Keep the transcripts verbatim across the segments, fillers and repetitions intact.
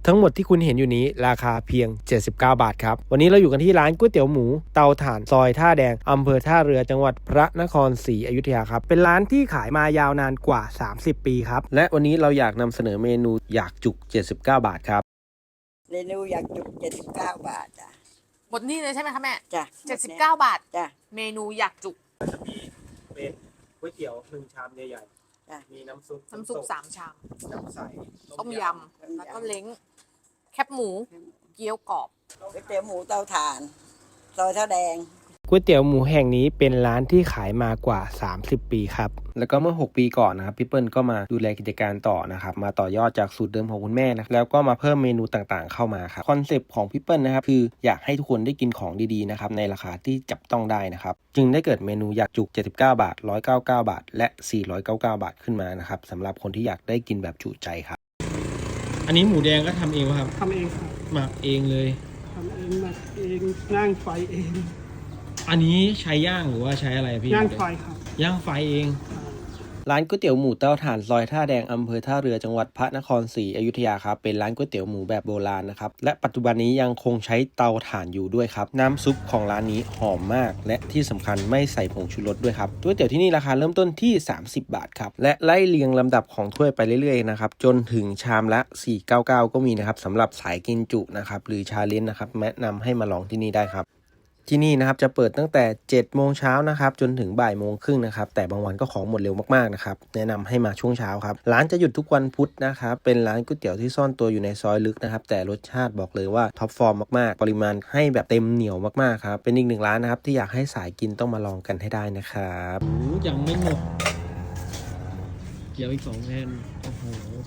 ทั้งหมดที่คุณเห็นอยู่นี้ราคาเพียงเจ็ดสิบเก้าบาทครับวันนี้เราอยู่กันที่ร้านก๋วยเตี๋ยวหมูเตาถ่านซอยท่าแดงอำเภอท่าเรือจังหวัดพระนครศรีอยุธยาครับเป็นร้านที่ขายมายาวนานกว่าสามสิบปีครับและวันนี้เราอยากนำเสนอเมนูอยากจุกเจ็ดสิบเก้าบาทครับเมนูอยากจุกเจ็ดสิบเก้าบาทจ้ะหมดนี่เลยใช่ไหมคะแม่จ้ะเจ็ดสิบเก้าบาทจ้ะเมนูอยากจุกจะมีเป็นก๋วยเตี๋ยวหนึ่งชามใหญ่ๆมีน้ำซุปน้ำซุปสามชามน้ำใสต้มยำแล้วก็เล้งแคบหมูเกี๊ยวกรอบก๋วยเตี๋ยวหมูเตาถ่านซอยท่าแดงก๋วยเตี๋ยวหมูแห่งนี้เป็นร้านที่ขายมากว่าสามสิบปีครับแล้วก็เมื่อหกปีก่อนนะครับพี่เปิ้ลก็มาดูแลกิจการต่อนะครับมาต่อยอดจากสูตรเดิมของคุณแม่นะแล้วก็มาเพิ่มเมนูต่างๆเข้ามาครับคอนเซปต์ของพี่เปิ้ลนะครับคืออยากให้ทุกคนได้กินของดีๆนะครับในราคาที่จับต้องได้นะครับจึงได้เกิดเมนูอยากจุกเจ็ดสิบเก้าบาทหนึ่งร้อยเก้าสิบเก้าบาทและสี่ร้อยเก้าสิบเก้าบาทขึ้นมานะครับสำหรับคนที่อยากได้กินแบบจุใจครับอันนี้หมูแดงก็ทำเองครับทำเองครับหมักเองเลยทำเองหมักเองย่างไฟเองอันนี้ใช้ย่างหรือว่าใช้อะไรพี่ย่างไฟครับย่างไฟเองร้านก๋วยเตี๋ยวหมูเตาถ่านซอยท่าแดงอำเภอท่าเรือจังหวัดพระนครศรีอยุธยาครับเป็นร้านก๋วยเตี๋ยวหมูแบบโบราณนะครับและปัจจุบันนี้ยังคงใช้เตาถ่านอยู่ด้วยครับน้ำซุปของร้านนี้หอมมากและที่สำคัญไม่ใส่ผงชูรสด้วยครับก๋วยเตี๋ยวที่นี่ราคาเริ่มต้นที่สามสิบบาทครับและไล่เรียงลำดับของถ้วยไปเรื่อยๆนะครับจนถึงชามละสี่ร้อยเก้าสิบเก้าก็มีนะครับสำหรับสายกินจุนะครับหรือชาเลนจ์นะครับแนะนำให้มาลองที่นี่ได้ครับที่นี่นะครับจะเปิดตั้งแต่เจ็ดโมงเช้านะครับจนถึงบ่ายโมงครึ่งนะครับแต่บางวันก็ของหมดเร็วมากๆนะครับแนะนำให้มาช่วงเช้าครับร้านจะหยุดทุกวันพุธนะครับเป็นร้านก๋วยเตี๋ยวที่ซ่อนตัวอยู่ในซอยลึกนะครับแต่รสชาติบอกเลยว่าท็อปฟอร์มมากๆปริมาณให้แบบเต็มเหนียวมากๆครับเป็นอีกหนึ่งร้านนะครับที่อยากให้สายกินต้องมาลองกันให้ได้นะครับยังไม่หมดเกี๊ยวอีกสองแผ่นโอ้โห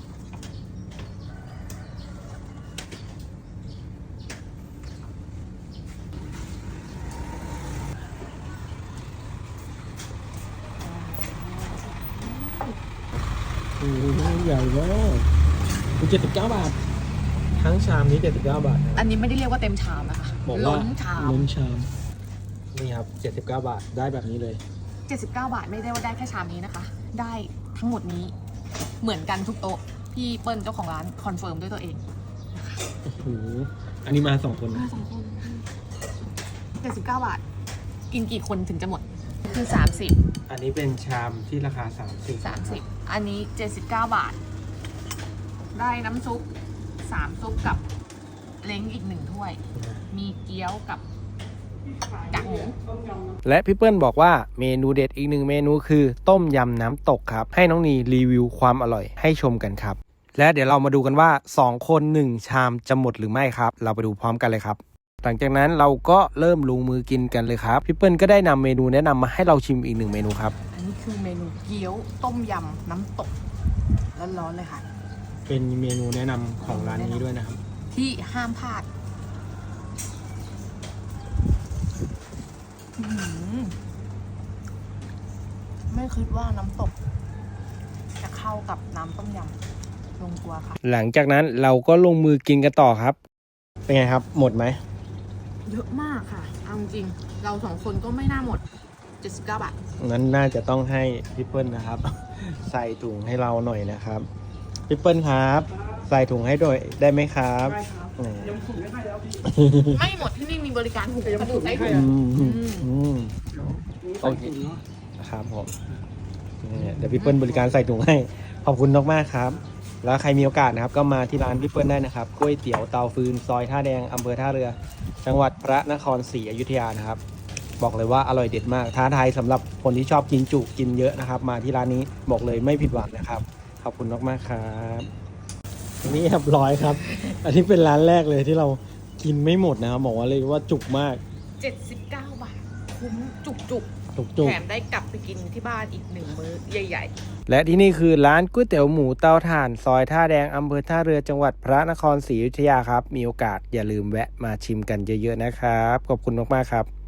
โอ้โหใหญ่มากเจ็ดสิบเก้าบาททั้งชามนี้เจ็ดสิบเก้าบาทอันนี้ไม่ได้เรียกว่าเต็มชามนะคะล้นชามล้นชามนี่ครับเจ็ดสิบเก้าบาทได้แบบนี้เลยเจ็ดสิบเก้าบาทไม่ได้ว่าได้แค่ชามนี้นะคะได้ทั้งหมดนี้เหมือนกันทุกโต๊ะพี่เปิ้ลเจ้าของร้านคอนเฟิร์มด้วยตัวเองโอ้โหอันนี้มาสองคนมาสองคนเจ็ดสิบเก้าบาทกินกี่คนถึงจะหมดคือสามสิบอันนี้เป็นชามที่ราคาสามสิบสามสิบอันนี้เจ็ดสิบเก้าบาทได้น้ำซุปสามซุปกับเล้งอีกหนึ่งถ้วยมีเกี๊ยวกับกากหมูและพี่เปิ้ลบอกว่าเมนูเด็ดอีกหนึ่งเมนูคือต้มยำน้ำตกครับให้น้องนีรีวิวความอร่อยให้ชมกันครับและเดี๋ยวเรามาดูกันว่าสองคนหนึ่งชามจะหมดหรือไม่ครับเราไปดูพร้อมกันเลยครับหลังจากนั้นเราก็เริ่มลงมือกินกันเลยครับพี่เปิ้ลก็ได้นำเมนูแนะนำมาให้เราชิมอีกหนึ่งเมนูครับอันนี้คือเมนูเกี๊ยวต้มยำน้ำตกร้อนๆเลยค่ะเป็นเมนูแนะนำของร้านนี้ด้วยนะครับที่ห้ามพลาดไม่คิดว่าน้ำตกจะเข้ากับน้ำต้มยำลงตัวค่ะหลังจากนั้นเราก็ลงมือกินกันต่อครับเป็นไงครับหมดไหมเยอะมากค่ะเอาจริงเราสองคนก็ไม่น่าหมดเจ็ดสิบเก้าบาทนั้นน่าจะต้องให้พี่เปิ้ลนะครับใส่ถุงให้เราหน่อยนะครับพี่เปิ้ลครับใส่ถุงให้ด้วยได้ไหมครับได้ครับยังถุงไม่ให้แล้วพี่ไม่หมดที่นี่มีบริการถุงกระดูกใส่ถุงโอเคครับผมเดี๋ยวพี่เปิ้ลบริการใส่ถุงให้ขอบคุณมากๆครับแล้วใครมีโอกาสนะครับก็มาที่ร้านพี่เปิ้ลได้นะครับก๋วยเตี๋ยวเตาฟืนซอยท่าแดงอำเภอท่าเรือจังหวัดพระนครศรีอยุธยานะครับบอกเลยว่าอร่อยเด็ดมากท้าทายสำหรับคนที่ชอบกินจุกินเยอะนะครับมาที่ร้านนี้บอกเลยไม่ผิดหวังนะครับขอบคุณมากๆครับนี่เรียบร้อยครับอันนี้เป็นร้านแรกเลยที่เรากินไม่หมดนะครับบอกว่าเลยว่าจุกมากเจ็ดสิบเก้าบาทคุ้มจุกจุกแถมได้กลับไปกินที่บ้านอีกหนึ่งมื้อใหญ่ๆและที่นี่คือร้านก๋วยเตี๋ยวหมูเตาถ่านซอยท่าแดงอำเภอท่าเรือจังหวัดพระนครศรีอยุธยาครับมีโอกาสอย่าลืมแวะมาชิมกันเยอะๆนะครับขอบคุณมากๆครับ